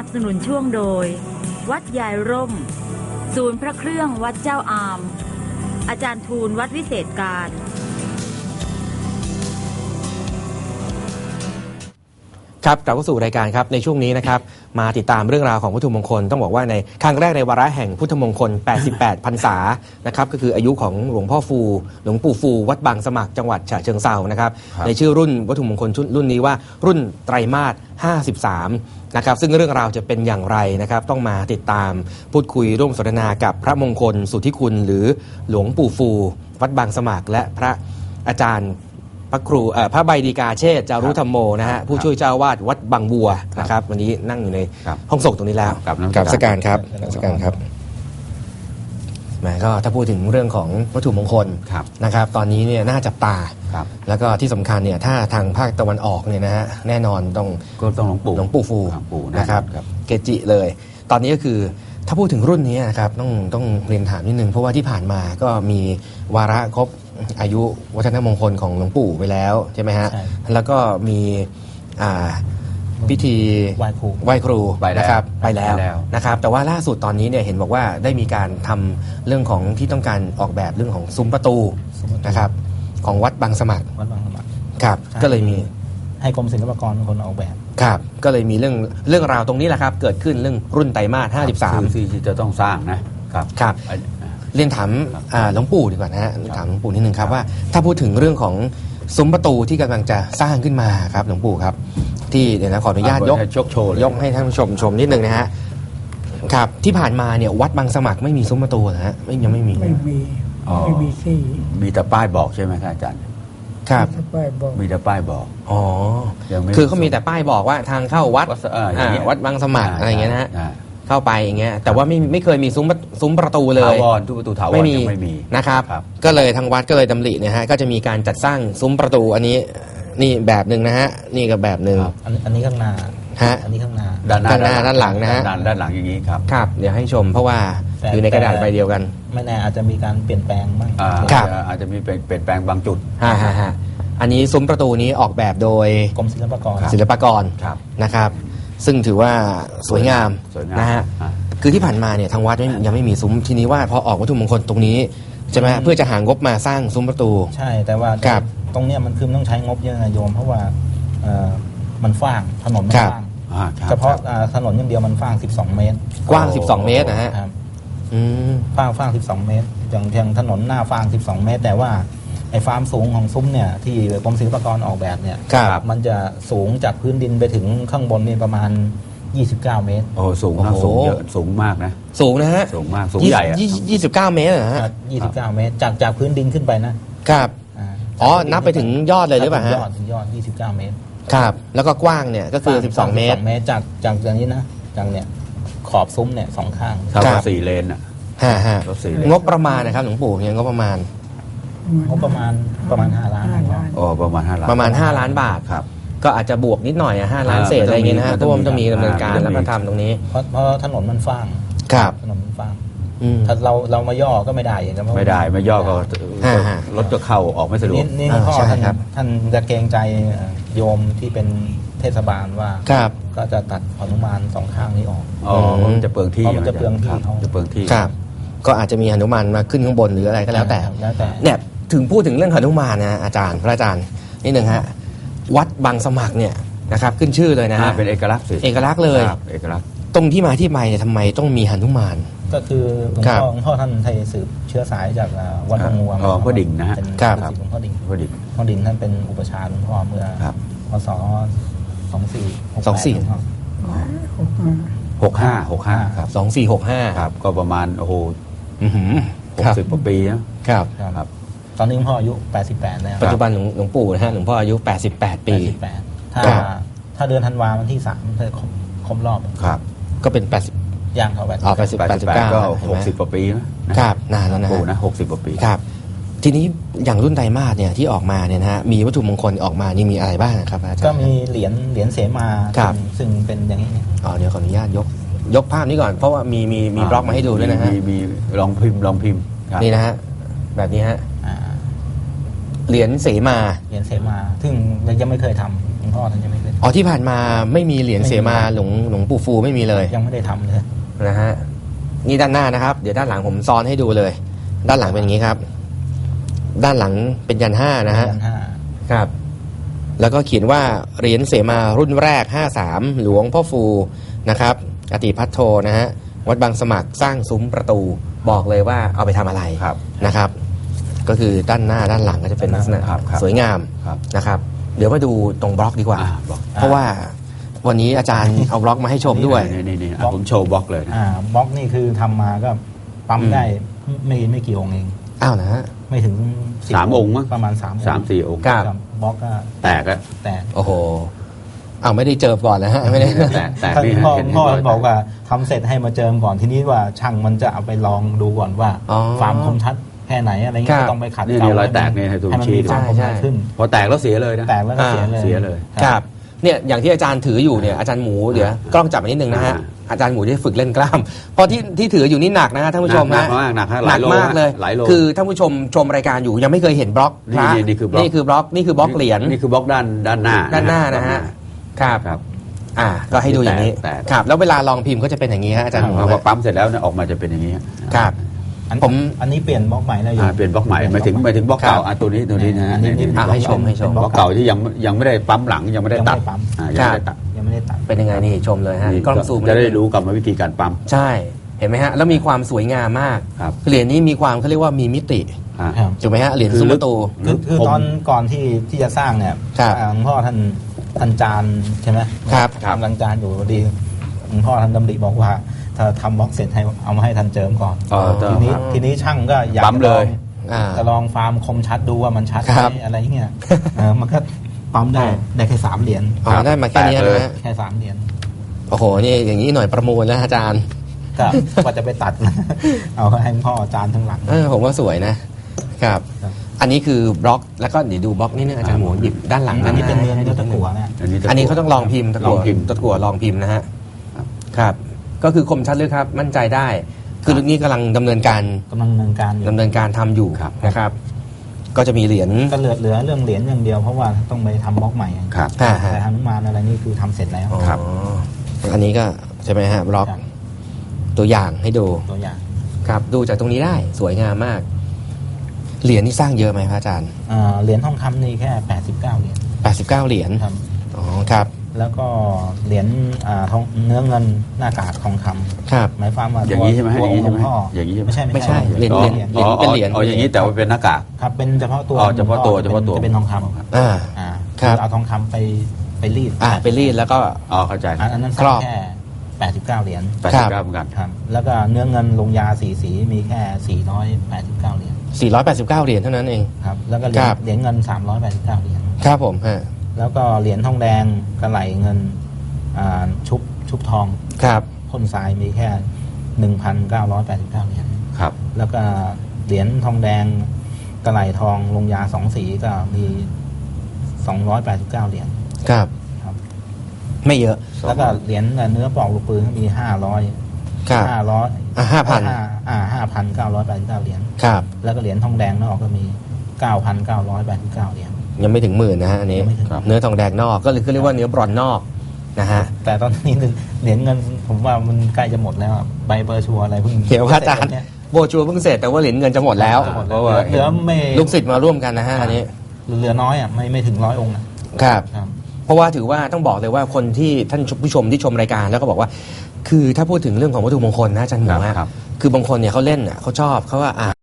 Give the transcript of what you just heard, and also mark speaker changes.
Speaker 1: สนุนช่วงโดยวัดยายร่มศูนย์พระเครื่องวัดเจ้าอามอาจารย์ทูลวัดวิเศษการ
Speaker 2: ครับกลับเข้าสู่รายการครับในช่วงนี้นะครับมาติดตามเรื่องราวของวัตถุมงคลต้องบอกว่าในครั้งแรกในวาระแห่งพุทธมงคล 88 พรรษานะครับก็คืออายุของหลวงพ่อฟูหลวงปู่ฟูวัดบางสมัครจังหวัดฉะเชิงเทรานะครับในชื่อรุ่นวัตถุมงคลรุ่นนี้ว่ารุ่นไตรมาส 53 นะครับซึ่งเรื่องราวจะเป็นอย่างไรนะครับต้องมาติดตามพูดคุยร่วมสนทนากับพระมงคลสุทธิคุณหรือหลวงปู่ฟูวัดบางสมัครและพระอาจารย์พระครูพระใบดีกาเชษฐ์จารุธรรมโมนะฮะผู้ช่วยเจ้าวาดวัดบางบัวนะครับวันนี้นั่งอยู่ในห้องส่งตรงนี้แล้วกับสการครับสการครับแหมก็ถ้าพูดถึงเรื่องของวัตถุมงคลนะครับตอนนี้เนี่ยน่าจับตาแล้วก็ที่สำคัญเนี่ยถ้าทางภาคตะวันออกเนี่ยนะฮะแน่นอนต้องหลวงปู่ฟูนะครับเกจิเลยตอนนี้ก็คือถ้าพูดถึงรุ่นนี้นะครับต้องเรียนถามนิดนึงเพราะว่าที่ผ่านมาก็มีวาระครบอายุวัฒนมงคลของหลวงปู่ไปแล้วใช่ไหมฮะแล้วก็มีพิธีไหว้ครูนะครับไปแล้วนะครับแต่ว่าล่าสุดตอนนี้เนี่ยเห็นบอกว่าได้มีการทำเรื่องของที่ต้องการออกแบบเรื่องของซุ้มประตูนะครับของวัดบางสมัครครับก็เลยมี
Speaker 3: ให้กรมศิลปากรเป็นคนออกแบบ
Speaker 2: ครับก็เลยมีเรื่องราวตรงนี้แหละครับเกิดขึ้นเรื่องรุ่นไตรมาส 53
Speaker 4: ที่จะต้องสร้างนะครับ
Speaker 2: ครับเรียนถามหลวงปู่ดีกว่านะฮะถามหลวงปู่นิดนึงครับว่าถ้าพูดถึงเรื่องของซุ้มประตูที่กำลังจะสร้างขึ้นมาครับหลวงปู่ครับที่เดี๋ยวนะขออนุญาตยกให้ท่านผู้ชมนิดนึงนะฮะครับที่ผ่านมาเนี่ยวัดบางสมัครไม่มีซุ้มประตูนะฮะยังไม่มี
Speaker 4: ที่มีแต่ป้ายบอกใช่ไหมครับอาจารย์
Speaker 2: ครับ
Speaker 4: มีแต่ป้ายบอก
Speaker 2: อ๋อคือเขามีแต่ป้ายบอกว่าทางเข้าวัดบางสมัครอะไรอย่างเงี้ยนะฮะเข้าไปอย่างเงี้ยแต่ว่าไม่เคยมีซุ้มประตูเลย
Speaker 4: ทุกประตูถาวร
Speaker 2: ไม่มีนะครับก็เลยทางวัดก็เลยดำริเนี่ยฮะก็จะมีการจัดสร้างซุ้มประตูอันนี้นี่แบบหนึ่งนะฮะนี่ก็แบบหนึ่ง
Speaker 3: อันนี้ข้างหน้า
Speaker 2: ฮะ
Speaker 3: อันนี้ข้างหน้า
Speaker 2: ด้านหลังนะฮะ
Speaker 4: ด้านหลังอย่างนี้ครับ
Speaker 2: ครับเดี๋ยวให้ชมเพราะว่าอยู่ในกระดาษใบเดียวกัน
Speaker 3: ไม่แน่อาจจะมีการเปลี่ยนแปลงบ้าง
Speaker 4: อาจจะมีเปลี่ยนแปลงบางจุด
Speaker 2: อันนี้ซุ้มประตูนี้ออกแบบโดย
Speaker 3: กรมศิลปากร
Speaker 2: นะครับซึ่งถือว่าสวยงามนะฮะคือที่ผ่านมาเนี่ยทางวัดยังไม่มีซุ้มทีนี้ว่าพอออกวัตถุมงคลตรงนี้ใช่ไหมเพื่อจะหางบมาสร้างซุ้มประตู
Speaker 3: ใช่แต่ว่าตรงเนี้ยมันคือต้องใช้งบเยอะนะโยมเพราะว่ามันฟ้างถนนมันฟ้างเฉพาะถนนอย่างเดียวมันฟ้าง12 เมตร
Speaker 2: กว้าง12 เมตรนะฮะ
Speaker 3: ฟ้าง12 เมตรอย่างถนนหน้าฟ้าง12 เมตรแต่ว่าไอ้ความสูงของซุ้มเนี่ยที่กรมศิลปากรออกแบบเนี่ยมันจะสูงจากพื้นดินไปถึงข้างบนนี่ประมาณ29 เมตร
Speaker 4: โอ้สูงเยอะสูงมากนะ
Speaker 2: สูงนะฮะ
Speaker 4: สูงมากสูงใหญ่
Speaker 2: 29 เมตรนะฮะ
Speaker 3: 29 เมตรจากพื้นดินขึ้นไป
Speaker 2: นะครับอ๋อนับไปถึงยอดเลยหรือเปล่าฮะ
Speaker 3: ถึงยอด29 เมตร
Speaker 2: ครับแล้วก็กว้างเนี่ยก็คือ12 เมตร
Speaker 3: จากอย่างนี้นะจากเนี่ยขอบซุ้มเนี่ย2ข้าง
Speaker 4: เท่ากับ4 เลนอ่ะ
Speaker 2: งบประมาณนะครับหลวงปู่เนี่ยงบประมาณ
Speaker 3: 5 ล้าน
Speaker 4: อ๋อประมาณ5 ล้าน
Speaker 2: 5 ล้านบาทครับก็อาจจะบวกนิดหน่อย5 ล้านเศษอะไรอย่างเงี้ยนะฮะเพราะว่ามันจะมีดำเนินการแล้วก็ทำตรงนี้
Speaker 3: เพราะถนนมันฟ้างถนนมันฟ้างถ้าเรามาย่อก็ไม่ได้อย่าง
Speaker 4: นั้นไม่ได้ไม่ย่อก็รถจะเข้าออกไม่สะดวก
Speaker 3: นี่พ่อท่านจะเกรงใจโยมที่เป็นเทศบาลว่าก็จะตัดหนุมาน2 ข้างนี้ออก
Speaker 4: จะเปลืองที่
Speaker 3: จะเปลือง
Speaker 4: ที่
Speaker 2: ครับก็อาจจะมีหนุมานมาขึ้นข้างบนหรืออะไรก็แล้วแต่เนี่ยถึงพูดถึงเรื่องหนุมานนะอาจารย์พระอาจารย์นิดนึงฮะวัดบางสมัครเนี่ยนะครับขึ้นชื่อเลยนะฮะ
Speaker 4: เป็นเอกลักษณ์
Speaker 2: เลย
Speaker 4: เอกลักษณ์
Speaker 2: ตรงที่มาที่ไปเนี่ยทำไมต้องมีหนุมาน
Speaker 3: ก็คือหลวงพ่อท่านไทยสืบเชื้อสายจากวัดบางงัว
Speaker 4: พ่อดิ่งนะฮะ
Speaker 3: ครับหลวงพ่อดิ่งท่านเป็นอุปชาหลวงพ่อเมื่อพศ2465
Speaker 4: ครับ
Speaker 2: 2465
Speaker 4: ครับก็ประมาณโอ้โห60 กว่าปีนะครับ
Speaker 3: ตอนนี้หลวงพ่ออายุ88แล้ว
Speaker 2: ปัจจุบันหลวงปู่นะฮะหลวงพ่ออายุ88 ปี
Speaker 3: ถ้าเดือนธันวาวันที่3จะครบรอบ
Speaker 2: ครับก็เป็น80
Speaker 3: ย่างเข้าไป
Speaker 2: 89
Speaker 4: ก็60 กว่าปี
Speaker 2: นะครับนานแล้วนะ
Speaker 4: ปู่นะ60 กว่าปี
Speaker 2: ครับทีนี้อย่างรุ่นไตรมาสเนี่ยที่ออกมาเนี่ยนะฮะมีวัตถุมงคลออกมานี่มีอะไรบ้างครับอาจารย์
Speaker 3: ก็มีเหรียญเสมาซึ่งเป็นอย่างนี้
Speaker 2: เดี๋ยวขออนุญาตยกภาพนี้ก่อนเพราะว่ามีบล็อกมาให้ดูด้วยนะฮะ
Speaker 4: มีลองพิมพ์
Speaker 2: นี่นะฮะแบบนี้ฮะเหรียญเสมา
Speaker 3: เหรียญเสมาซึ่งยังไม่เคยทำหลวงพ่อท่านยังไม่เคย
Speaker 2: อ๋อที่ผ่านมาไม่มีเหรียญเสมาหลวงปู่ฟูไม่มีเลย
Speaker 3: ยังไม่ได้ทำเลย
Speaker 2: นะฮะนี่ด้านหน้านะครับเดี๋ยวด้านหลังผมซ้อนให้ดูเลย ด้านหลังเป็นอย่างนี้ครับ ด้านหลังเป็นยันห้านะฮะ
Speaker 3: ยันห้า
Speaker 2: ครับ แล้วก็เขียนว่าเหรียญเสมารุ่นแรก53หลวงพ่อฟูนะครับอติพัทโทนะฮะวัดบางสมัครสร้างซุ้มประตูบอกเลยว่าเอาไปทำอะไร
Speaker 4: ครับ
Speaker 2: นะครับ ก็คือด้านหน้าด้านหลังก็จะเป็นลักษณะ
Speaker 4: ครับครับ
Speaker 2: สวยงาม
Speaker 4: ครับ
Speaker 2: นะครับ เดี๋ยวมาดูตรงบล็อกดีกว่า
Speaker 4: บล็อก
Speaker 2: เพราะว่าวันนี้อาจารย์เอาบล็อกมาให้ชมด้วย
Speaker 4: นี่ผมโชว์บล็อกเลยนะ
Speaker 3: บล็อกนี่คือทำมาก็ปั๊มได้ไม่กี่องค์เอง
Speaker 2: อ้าวนะฮะ
Speaker 3: ไม่ถึง
Speaker 4: สามองค์มั้ง
Speaker 3: ประมาณ3 องค์
Speaker 4: 3-4 องค์
Speaker 2: ครับ
Speaker 3: บล็อกก็
Speaker 4: แตกอะ
Speaker 3: แตก
Speaker 2: โอ้โหเอาไม่ได้เจอก่อนนะฮะไม่ได้
Speaker 4: แตก
Speaker 3: ท่าน
Speaker 4: นี่ฮะ
Speaker 3: พ่อ
Speaker 4: เห็น
Speaker 3: พ่อ
Speaker 4: รย
Speaker 3: บอกว่าทำเสร็จให้มาเจิมก่อนทีนี้ว่าช่างมันจะเอาไปลองดูก่อนว่า
Speaker 2: อ๋อ
Speaker 3: ความคมชัดแค่ไหนอะไรเงี้
Speaker 2: ครั
Speaker 3: ย
Speaker 2: บ
Speaker 3: ก็ต้องไปขัด
Speaker 4: นี่
Speaker 3: เกลา
Speaker 4: รอยแตกนี่ให้ดู
Speaker 3: ให้มัน
Speaker 4: ชี้
Speaker 3: มี
Speaker 4: ดู
Speaker 3: ความคม
Speaker 2: ใช่
Speaker 3: ชัดขึ้น
Speaker 4: พอแตกแล้วเสียเลยนะ
Speaker 3: แตกแล้วก็เสียเลย
Speaker 4: เสียเลย
Speaker 2: ครับเนี่ยอย่างที่อาจารย์ถืออยู่เนี่ยอาจารย์หมูเดี๋ยวกล้องจับมานิดนึงนะฮะอาจารย์หมูจะฝึกเล่นกล้ามเพราะที่ถืออยู่นี่หนักนะฮะท่านผู้ชม
Speaker 4: หนั
Speaker 2: ฮะ
Speaker 4: กมากหนักฮะ
Speaker 2: ห
Speaker 4: ห
Speaker 2: นั
Speaker 4: ลาย
Speaker 2: ก
Speaker 4: โล
Speaker 2: มากเลย
Speaker 4: หลายโล
Speaker 2: คือท่านผู้ชมชมรายการอยู่ยังไม่เคยเห็นบล็อกพระ
Speaker 4: นี่คือบล็อก
Speaker 2: นี่คือบล็อกนี่คือบล็อกเหรียญ
Speaker 4: นี่คือบล็อกด้านหน้า
Speaker 2: ด้านหน้านะฮะครับ
Speaker 4: ครับ
Speaker 2: ก็ให้ดูอย่างนี้
Speaker 4: แตก
Speaker 2: ครับแล้วเวลาลองพิมพ์ก็จะเป็นอย่างนี้ฮะอาจารย์หมู
Speaker 4: พอปั๊มเสร็จแล้วเนี่ยออกมาจะเป็นอย่างนี้
Speaker 2: ครับ อันนี้
Speaker 3: เปลี่ยนบล็อกใหม่แล้วอยู่
Speaker 4: เปลี่ยนบล็อกใหม่หมายถึงบล็อกเก่าตัวนี้นะฮะ
Speaker 3: อันนี้
Speaker 2: ให้ชม
Speaker 3: เป็น
Speaker 4: บล็อกเก่าที่ยังไม่ได้ปั๊มหลังยังไม่ได้ตัด
Speaker 3: ยังไม่ได้ปั๊ม
Speaker 4: ยังไม่ได้ตัด
Speaker 3: ยังไม่ได้ตัด
Speaker 2: เป็นยังไงนี่ชมเลยฮะ
Speaker 4: นี่
Speaker 2: กล้องซูม
Speaker 4: จะได้รู้กรรมวิธีการปั๊ม
Speaker 2: ใช่เห็นไหมฮะแล้วมีความสวยงามมาก
Speaker 4: ครับ
Speaker 2: เหรียญนี้มีความเขาเรียกว่ามีมิติ
Speaker 4: ฮะ
Speaker 3: ครับ
Speaker 2: ถูกไหมฮะเหรียญ
Speaker 4: คือ
Speaker 2: ซุ้ม
Speaker 4: ลึ
Speaker 2: ป
Speaker 4: ก
Speaker 2: ระตู
Speaker 3: คือตอนก่อนที่จะสร้างเนี่ย
Speaker 2: ครับ
Speaker 3: หลวงพ่อท่านจานใช่ไหม
Speaker 2: ครับ
Speaker 3: กำลังจานอยู่พอดีหลวงพ่อท่านดำริบอกว่า ถ้าทำบล็อกเสร็จให้เอามาให้ท่านเจิมก่อน ทีนี้ช่างก็อยาก
Speaker 4: ปั๊มเลย
Speaker 3: จะลองฟาร์มคมชัดดูว่ามันชัดไห
Speaker 2: ครับ
Speaker 3: มอะไรเงี้ยมันก็ปั๊มได้แค่3 เหรียญ
Speaker 2: อ๋อได้มาแค่นี้นะฮะ
Speaker 3: แค่3 เหรียญ
Speaker 2: โอ้โหนี่อย่างนี้หน่อยประมูลแล้วอาจารย์
Speaker 3: ก็ว่าจะไปตัด เอาให้หลวงพ่อจานทั้งหลัง
Speaker 2: ผมว่าสวยนะครับ
Speaker 3: ครับ
Speaker 2: อันนี้คือบล็อกแล้วก็เดี๋ยวดูบล็อกนี่นึงอาจารย์หมูหยิบด้านหลัง
Speaker 3: อันนี้เป็นเนื้อ
Speaker 2: ให้ดู
Speaker 3: ตะกั่วเนี่ย
Speaker 2: อันนี้เขาต้องลองพิมพ์ตะกั่ว
Speaker 4: ลองพิมพ์
Speaker 2: ตะกั่วลองพิมพ์นะฮะ
Speaker 4: ครับ
Speaker 2: ครับ ก็คือคมชัดเลยครับมั่นใจได้ คือเรื่องนี้กำลังดำเนินการ
Speaker 3: กำลังดำเนินการอยู่
Speaker 2: ดำเนินการทำอยู่
Speaker 4: ครับ
Speaker 2: นะครับ ก็จะมีเหรียญ
Speaker 3: ก็เหลือเรื่องเหรียญอย่างเดียวเพราะว่าต้องไปทำบล็อกใหม่
Speaker 4: ครับ
Speaker 3: แต่ฮนุมานอะไรนี่คือทำเสร็จแล้ว
Speaker 4: ครับ
Speaker 2: อ๋ออันนี้ก็ใช่ไหมฮะบล็อก
Speaker 3: ครับ
Speaker 2: ตัวอย่างให้ดู
Speaker 3: ตัวอย่าง
Speaker 2: ครับดูจากตรงนี้ได้สวยงามมาก เหรียญนี่สร้างเยอะไหมพระอาจารย์
Speaker 3: เหรียญทองคำนี่แค่89 เหรียญ
Speaker 2: 89 เหรียญ
Speaker 3: ครับ
Speaker 2: อ๋อครับ
Speaker 3: แล้วก็เหรียญทองเนื้อเงินหน้ากากทองคำ
Speaker 2: ครับ
Speaker 3: หมายความว่า
Speaker 4: อย่างนี้ใช่ไหม
Speaker 3: ตัว
Speaker 4: อย่างนี้ใช่ไหม
Speaker 3: พ่อ
Speaker 4: อย่างนี้ใช่ไหม
Speaker 3: ไม่ใช่
Speaker 2: ไม่ใช่เหรียญ
Speaker 3: อ๋อ
Speaker 2: เหรียญเป็นเหรียญ
Speaker 4: อ๋ออย่างนี้แต่ว่าเป็นหน้ากาก
Speaker 3: ครับเป็นเฉพาะตัว
Speaker 4: อ๋อเฉพาะตัวเฉพาะตัว
Speaker 3: จะเป็นทองคำ
Speaker 2: อ่า
Speaker 3: อ่า
Speaker 2: ครับ
Speaker 3: เอาทองคำไปรีด
Speaker 2: ไปรีดแล้วก็
Speaker 4: อ๋อเข้าใจ
Speaker 3: อันนั้น
Speaker 2: ครอบ
Speaker 3: แค่89 เหรียญ
Speaker 4: 89เหมือนกัน
Speaker 3: ครับ แล้วก็เนื้อเงินลงยาสีมีแค่489 เหรียญ
Speaker 2: 489 เหรียญเท่านั้นเอง
Speaker 3: ครับแล้วก็เห
Speaker 2: ครับ
Speaker 3: รียญเงิน389 เหรียญ
Speaker 2: ครับผมฮะ
Speaker 3: แล้วก็เหรียญทองแดงกระไหลเงินชุบทอง
Speaker 2: ครับ
Speaker 3: พ่นทรายมีแค่ 1,989 เหรียญ
Speaker 4: ครับ
Speaker 3: แล้วก็เหรียญทองแดงกระไหลทองลงยา2 สีก็มี289 เหรียญ
Speaker 2: ครับ
Speaker 3: ครับ
Speaker 2: ไม่เยอะ
Speaker 3: แล้วก็เหรียญเนื้อปลอกลูกปืนก็มี500
Speaker 2: ครับ
Speaker 3: 5,989 เหรียญ
Speaker 2: ครับ
Speaker 3: แล้วก็เหรียญทองแดงนอกก็มี 9,989 เหรียญ
Speaker 2: ยังไม่ถึงหมื่นนะฮะอันนี้
Speaker 3: ยังไม่ถึง
Speaker 2: เนื้อทองแดงนอกก็เลยเรียกว่าเนื้อบรอนซ์นอกนะฮะ
Speaker 3: แต่ตอนนี้เหรียญเงินผมว่ามันใกล้จะหมดแล้วอะใบเบอร์ชัวร์อะไรเพิ่ง
Speaker 2: เดี๋ยวอาจารย์
Speaker 3: เนี่ย
Speaker 2: โบชัวเพิ่งเสร็จแต่ว่าเหรียญเงินจะหมดแล้ว
Speaker 3: จะหมด
Speaker 4: เพ
Speaker 3: แล้ว
Speaker 4: ราะว่า
Speaker 3: เหลือไม่
Speaker 2: ลูกศิษย์มาร่วมกันนะฮะอันนี้
Speaker 3: เหลือน้อยอ่ะไม่ถึง100 องค์อะ
Speaker 2: ครับ
Speaker 3: ครับ
Speaker 2: เพราะว่าถือว่าต้องบอกเลยว่าคนที่ท่านผู้ชมที่ชมรายการแล้วก็บอกว่า คือถ้าพูดถึงเรื่องของวัตถุมงคลนะอาจารย์หมู
Speaker 4: ครับ
Speaker 2: คือบางคนเนี่ยเขาเล่นเขาชอบเขาว่า